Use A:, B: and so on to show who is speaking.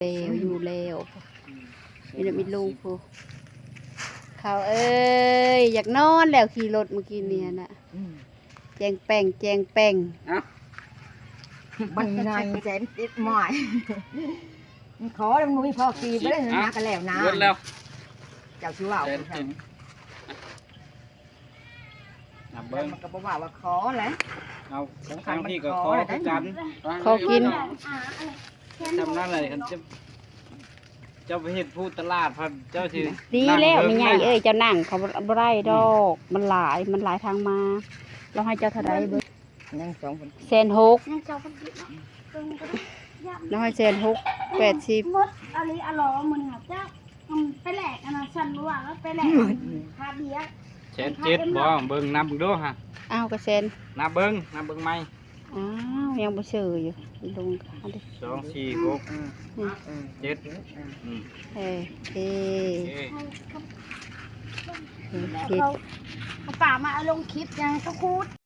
A: เลวอยู่แล้วมีแต่มีลูกผู้เขาเอ้ยอยากนอนแล้วขี่รถเมื่อกี้เนี่ยน่ะแจงแป้งแจงแป้ง
B: บันไงแสนติดหมอยขอแล้วมึงพ่อกีไปเลยนะกันแล้วนะเจ้าชิวเอา
C: นับเบิ้ง
B: มันก็บอกว่าขอแหละ
C: เอาทางพี่ก็ขอคือกัน
A: ขอกิน
C: จำนั่นเลยคันเจ้าไปเห็นพูดตลาดพันเจ้าชื่อ
A: ดีแล้วไม่ใหญ่เอ้ยเจ้านั่งเขาบ่ได้ดอกมันหลายทางมาเราให้เจ้าเท่าใดเบิ่ง
B: ยังสองคน
A: 1,600
D: ยังเจ้าคนที่
A: เราให้1,680
D: มดอะไรอร่อยเหมือนเจ้าไปแหลกอันนั้นฉันรู้ว่าแล้วไปแหลกคาเบีย
C: เช็ดเจ็ดบ่เบิ้งนับดูฮะ
A: อ้าวก็เซน
C: นับเบิ้งไหม
A: อ้าวยังบ่ซื้ออยู่ลงเอาดิ
C: 2 4 6 7
A: เอ้ยเอ้
C: โอเค
A: คิด
D: เขาป่ามาลงคลิปยังเขาคูด